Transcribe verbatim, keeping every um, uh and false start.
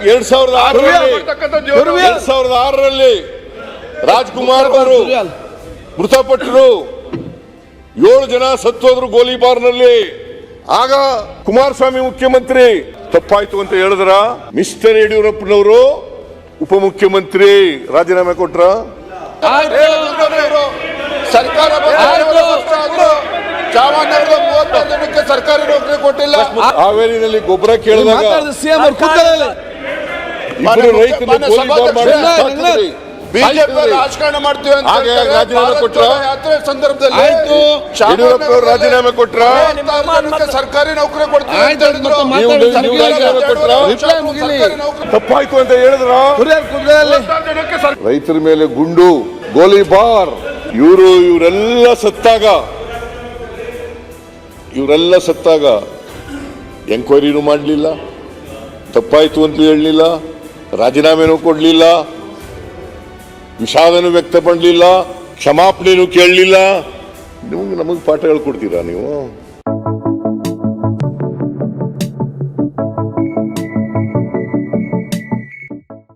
ಎರಡ್ ಸಾವಿರದ ಆರರಲ್ಲಿ ಎರಡ್ ಸಾವಿರದ ಆರರಲ್ಲಿ ರಾಜ್ಕುಮಾರ್ ಅವರು ಮೃತಪಟ್ಟರು. ಏಳು ಜನ ಸತ್ತೋದ್ರು ಗೋಲಿಬಾರ್ನಲ್ಲಿ. ಆಗ ಕುಮಾರಸ್ವಾಮಿ ಮುಖ್ಯಮಂತ್ರಿ. ತಪ್ಪಾಯ್ತು ಅಂತ ಹೇಳಿದ್ರ ಮಿಸ್ಟರ್ ಯಡಿಯೂರಪ್ಪನವರು ಉಪಮುಖ್ಯಮಂತ್ರಿ ರಾಜೀನಾಮೆ ಕೊಟ್ರ. ಸರ್ಕಾರ ಚಾಮರಾಜನಗರದ ಮೂವತ್ತಾರು ಜನಕ್ಕೆ ಸರ್ಕಾರಿ ನೌಕರಿ ಕೊಟ್ಟಿಲ್ಲ. ಹಾವೇರಿನಲ್ಲಿ ಗೊಬ್ಬರ ಕೇಳಿದಾಗ ಇಬ್ಬರು ರೈತರು ಬಿಜೆಪಿ ರಾಜಕಾರಣ ಮಾಡ್ತೀವಿ ಅಂತ ರಾಜೀನಾಮೆ ಕೊಟ್ರ. ಯಾತ್ರೆ ಸಂದರ್ಭದಲ್ಲಿ ಯಡಿಯೂರಪ್ಪ ಅವರು ರಾಜೀನಾಮೆ ಕೊಟ್ರ. ಸರ್ಕಾರಿ ನೌಕರಿ ಕೊಡ್ತೀವಿ. ತಪ್ಪಾಯ್ತು ಅಂತ ಹೇಳಿದ್ರ ರೈತರ ಮೇಲೆ ಗುಂಡು ಗೋಲಿಬಾರ್. ಇವರು ಇವರೆಲ್ಲ ಸತ್ತಾಗ ಇವರೆಲ್ಲ ಸತ್ತಾಗ ಎಂಕ್ವೈರಿನೂ ಮಾಡಲಿಲ್ಲ, ತಪ್ಪಾಯ್ತು ಅಂತ ಹೇಳಲಿಲ್ಲ, ರಾಜೀನಾಮೆನೂ ಕೊಡಲಿಲ್ಲ, ವಿಷಾದನೂ ವ್ಯಕ್ತಪಡಲಿಲ್ಲ, ಕ್ಷಮಾಪಣೆನೂ ಕೇಳಲಿಲ್ಲ. ನಿಮಗೆ ನಮಗೆ ಪಾಠಗಳು ಕೊಡ್ತೀರಾ ನೀವು?